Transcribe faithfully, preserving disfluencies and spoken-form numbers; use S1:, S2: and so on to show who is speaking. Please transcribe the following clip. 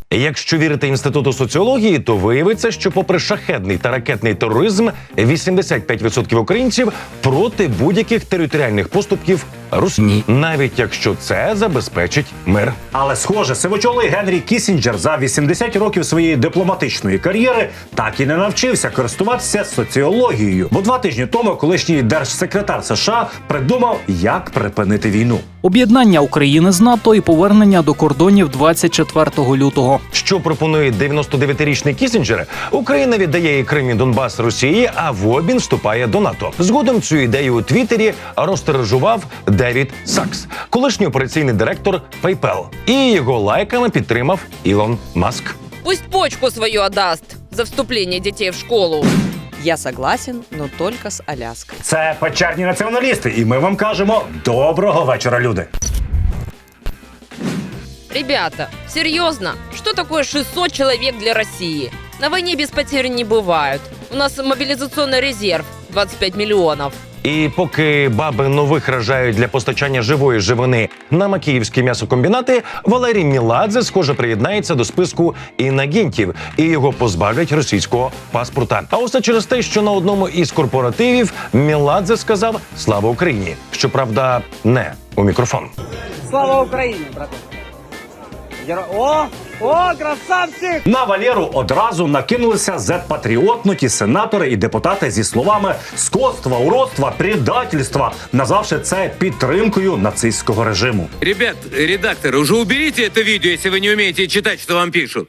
S1: Якщо вірити Інституту соціології, то виявиться, що попри шахедний та ракетний тероризм, вісімдесят п'ять відсотків українців проти будь-яких територіальних поступків Росії, навіть якщо це забезпечить мир.
S2: Але, схоже, сивочолий Генрі Кіссінджер за вісімдесят років своєї дипломатичної кар'єри так і не навчився користуватися соціологією. Бо два тижні тому колишній держсекретар США придумав, як припинити війну.
S3: Об'єднання України з НАТО і повернення до кордонів двадцять четвертого лютого.
S1: Що пропонує дев'яностодев'ятирічний Кіссінджер? Україна віддає Крим і Донбас Росії, а в обмін вступає до НАТО. Згодом цю ідею у Твіттері розтиражував Девід Сакс, колишній операційний директор PayPal. І його лайками підтримав Ілон Маск.
S4: Пусть почку свою отдаст за вступление детей в школу.
S5: Я согласен, но только с Аляской.
S2: Це печерні націоналісти, і ми вам кажемо доброго вечора, люди.
S4: Ребята, серьезно, что такое шестьсот человек для России? На войне без потерь не бывают. У нас мобилизационный резерв двадцять п'ять мільйонів.
S1: І поки баби нових рожають для постачання живої живини на макіївські м'ясокомбінати, Валерій Меладзе, схоже, приєднається до списку інагентів і його позбавлять російського паспорта. А усе через те, що на одному із корпоративів Меладзе сказав «Слава Україні!». Щоправда, не у мікрофон.
S6: Слава Україні, брате! Геро... О! О, красавчик!
S2: На Валеру одразу накинулися зет-патріотнуті сенатори і депутати зі словами «скотства, уродства, предательства», назвавши це підтримкою нацистського режиму.
S7: Ребят, редакторы, уже уберите это видео, если вы не умеете читать, что вам пишут.